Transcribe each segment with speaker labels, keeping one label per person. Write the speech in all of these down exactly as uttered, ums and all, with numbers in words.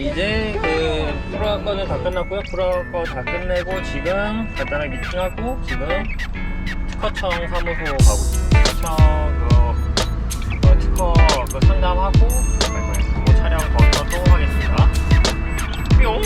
Speaker 1: 이제 그 프로화 거는 다 끝났고요. 프로화 거 다 끝내고 지금 간단하게 미팅하고 지금 특허청 사무소 가고 있습니다. 특허청 그 어, 특허 그 상담하고 그 촬영 거기서 또 하겠습니다. 뿅.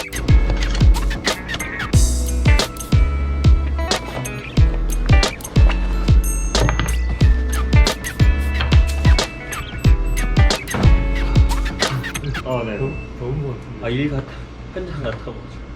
Speaker 1: 어, 네.
Speaker 2: 더, 더운 것 같은데.
Speaker 1: 아, 일 같아. 현장 같아가지고.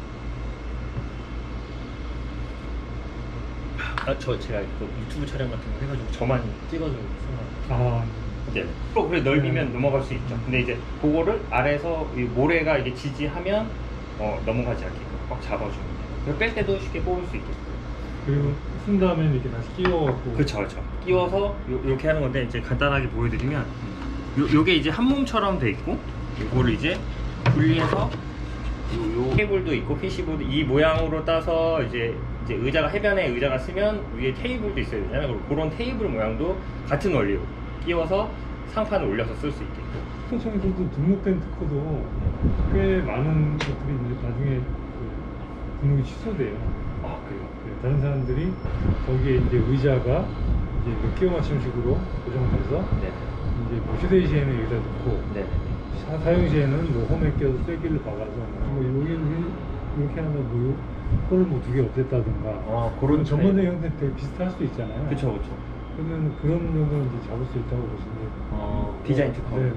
Speaker 1: 아, 저 제가 그 유튜브 촬영 같은 거 해가지고 저만 찍어주고 생각.
Speaker 2: 아,
Speaker 1: 네. 또 그래 넓이면
Speaker 2: 네.
Speaker 1: 넘어갈 수 있죠. 근데 이제 그거를 아래에서 이 모래가 이게 지지하면 어, 넘어가지 않게끔 꽉 잡아주면 돼요. 뺄 때도 쉽게 뽑을 수 있게끔.
Speaker 2: 그리고 쓴 다음에 이렇게 다시 끼워갖고.
Speaker 1: 그쵸, 그쵸. 끼워서 요, 이렇게 하는 건데 이제 간단하게 보여드리면 요, 요게 이제 한 몸처럼 돼 있고 요거를 이제 분리해서 요, 요 케이블도 있고 피시보드 이 모양으로 따서 이제 이제 의자가 해변에 의자가 쓰면 위에 테이블도 있어야 되잖아요. 그리고 그런 테이블 모양도 같은 원리로 끼워서 상판을 올려서 쓸 수 있게끔.
Speaker 2: 특허청에서도 등록된 특허도 꽤 많은 것들이 이제 나중에 그 등록이 취소돼요.
Speaker 1: 아, 그래요?
Speaker 2: 네, 다른 사람들이 거기에 이제 의자가 이제 그 끼워 맞춤식으로 고정돼서
Speaker 1: 네.
Speaker 2: 이제 뭐 휴대시에는 여기다 놓고
Speaker 1: 네.
Speaker 2: 사, 사용 시에는 뭐 홈에 끼워서 쐐기를 박아서 뭐 여기는 이렇게 하면 뭐 홀을 뭐 두 개 없앴다든가.
Speaker 1: 아, 그런
Speaker 2: 전문적인 형태 되게 비슷할 수도 있잖아요.
Speaker 1: 그쵸, 그쵸.
Speaker 2: 그러면 그런 정도는 이제 잡을 수 있다고 보시면 돼요.
Speaker 1: 어, 디자인 특허.
Speaker 2: 네, 네.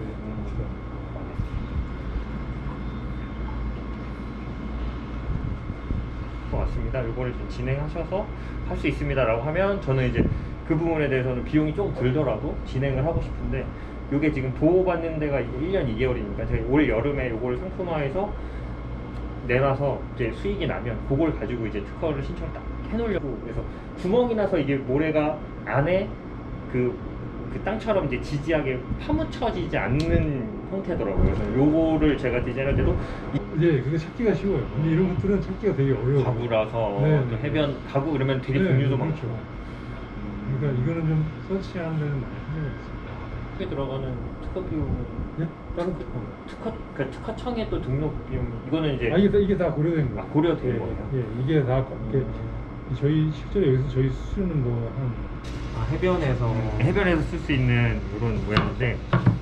Speaker 1: 것 같습니다. 이거를 좀 진행하셔서 할 수 있습니다라고 하면 저는 이제 그 부분에 대해서는 비용이 조금 들더라도 진행을 하고 싶은데 이게 지금 보호받는 데가 일 년 이 개월이니까 제가 올 여름에 이걸 상품화해서 내놔서 이제 수익이 나면 그걸 가지고 이제 특허를 신청을 딱 해놓으려고. 그래서 구멍이 나서 이게 모래가 안에 그, 그 땅처럼 이제 지지하게 파묻혀지지 않는 형태더라고요. 그래서 요거를 제가 디자인할 때도
Speaker 2: 네, 그게 찾기가 쉬워요. 근데 이런 것들은 찾기가 되게 어려워요.
Speaker 1: 가구라서
Speaker 2: 네,
Speaker 1: 또
Speaker 2: 네.
Speaker 1: 해변 가구 그러면 되게
Speaker 2: 네,
Speaker 1: 종류도
Speaker 2: 그렇죠.
Speaker 1: 많고.
Speaker 2: 그러니까 이거는 좀 서치하는 데는 많이 힘들어요.
Speaker 1: 특허에 들어가는 특허 비용은
Speaker 2: 네?
Speaker 1: 다른 특허 특허 그 특허청에 또 등록 비용 이거는 이제
Speaker 2: 아, 이게 다, 이게 다 고려된 거예요.
Speaker 1: 아, 고려된
Speaker 2: 예,
Speaker 1: 거예요?
Speaker 2: 예, 이게 다 이게
Speaker 1: 음.
Speaker 2: 저희 실제로 여기서 저희 수준은 뭐한
Speaker 3: 아, 해변에서
Speaker 1: 해변에서 쓸 수 있는 이런 모양인데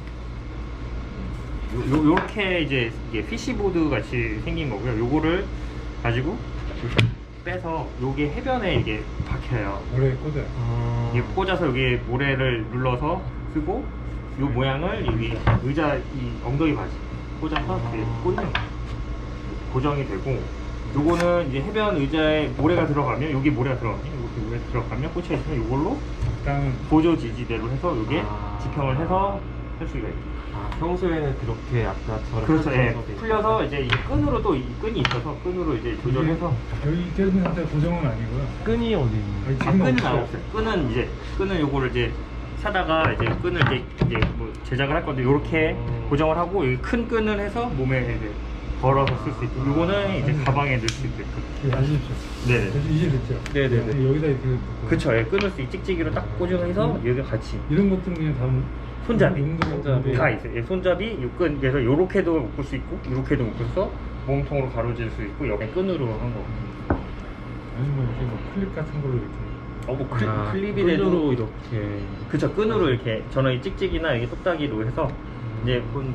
Speaker 1: 요, 요, 요렇게 이제 이게 피시보드 같이 생긴 거고요. 요거를 가지고 이렇게 빼서 요게 해변에 이게 박혀요.
Speaker 2: 모래에 꽂아요.
Speaker 3: 아,
Speaker 1: 이게 꽂아서 여기 모래를 눌러서 쓰고 요 모양을 여기 의자 이 엉덩이 바지 꽂아서 이렇게 꽂는 거예요. 고정이 되고 요거는 이제 해변 의자에 모래가 들어가면 여기 모래가 들어가면 이렇게 모래 들어가면 꽂혀 있으면 요걸로
Speaker 2: 땅은
Speaker 1: 보조 지지대로 해서 요게
Speaker 3: 아.
Speaker 1: 지평을 해서 할 수가 있고.
Speaker 3: 아, 평소에는 그렇게 아까처럼
Speaker 1: 그렇죠. 예.
Speaker 3: 펼쳐서 돼
Speaker 1: 풀려서
Speaker 3: 있다가
Speaker 1: 이제 이 끈으로 또 이 끈이 있어서 끈으로 이제 조절해서
Speaker 2: 저희 깨진 상태 고정은 아니고요.
Speaker 3: 끈이 어디 있는
Speaker 2: 아니,
Speaker 1: 아,
Speaker 2: 지금은
Speaker 1: 끈은
Speaker 2: 없어요.
Speaker 1: 안 없어요. 끈은 이제 끈은 요거를 이제 사다가 이제 끈을 이제, 이제 뭐 제작을 할 건데 요렇게
Speaker 3: 음.
Speaker 1: 고정을 하고 여기 큰 끈을 해서 몸에 이제 걸어서 쓸 수 있고 요거는 이제 가방에 넣을 수 있게끔.
Speaker 2: 이거 아시죠?
Speaker 1: 네네.
Speaker 2: 이제 됐죠?
Speaker 1: 네네네.
Speaker 2: 여기다 이렇게 놓고.
Speaker 1: 그쵸. 예, 끊을 수 있게 찍찍이로 딱 고정해서 여기 같이
Speaker 2: 이런 것들은 그냥 다
Speaker 1: 손잡이.
Speaker 2: 손잡이
Speaker 1: 다 있어요. 예, 손잡이, 요끈 그래서 요렇게도 묶을 수 있고 요렇게도 묶어서 몸통으로 가로질 수 있고 여기 끈으로 한 거.
Speaker 2: 아니면 이렇게 뭐 클립 같은 걸로 이렇게
Speaker 1: 어, 뭐 클,
Speaker 3: 아,
Speaker 1: 클립이
Speaker 3: 끈으로
Speaker 1: 돼도
Speaker 3: 이렇게
Speaker 1: 그쵸. 끈으로 이렇게 저는 이 찍찍이나 이게 똑딱이로 해서 이제 끈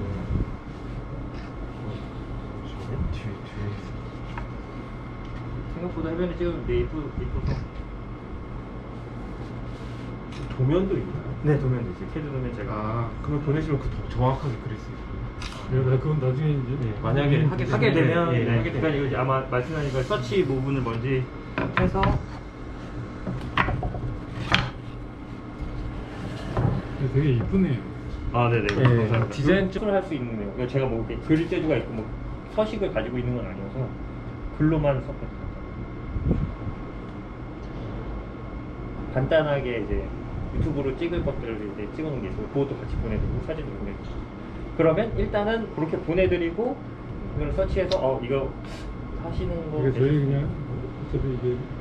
Speaker 3: 뒤에 뒤에
Speaker 1: 생각보다 해변에 찍으면 네 예쁘, 예뻐서.
Speaker 3: 도면도 있나요?
Speaker 1: 네, 도면도 있어요. 캐드 도면 제가.
Speaker 3: 아, 그러면 보내시면 그 더 정확하게 그릴 수 있어요.
Speaker 2: 그러다 그건 나중에 이제
Speaker 3: 네, 만약에 하게
Speaker 1: 하게 되면,
Speaker 3: 예,
Speaker 1: 네,
Speaker 3: 하게 되면.
Speaker 1: 그러니까 이거 이제 아마 말씀하신 거 서치 부분을 먼저 해서
Speaker 2: 되게 이쁘네요.
Speaker 1: 아, 네네.
Speaker 3: 네,
Speaker 1: 감사합니다.
Speaker 3: 디자인
Speaker 1: 쪽을 할 수 있는 거예요. 그러니까 제가 뭐 이렇게 그릴 재주가 있고 뭐 서식을 가지고 있는 건 아니어서 글로만 썼거든요. 간단하게 이제 유튜브로 찍을 것들을 이제 찍어놓은 게 있어요. 그것도 같이 보내드리고 사진도 보내드리고. 그러면 일단은 그렇게 보내드리고 이걸 서치해서 어 이거 하시는 거
Speaker 2: 이게 저희 그냥 어차피 이게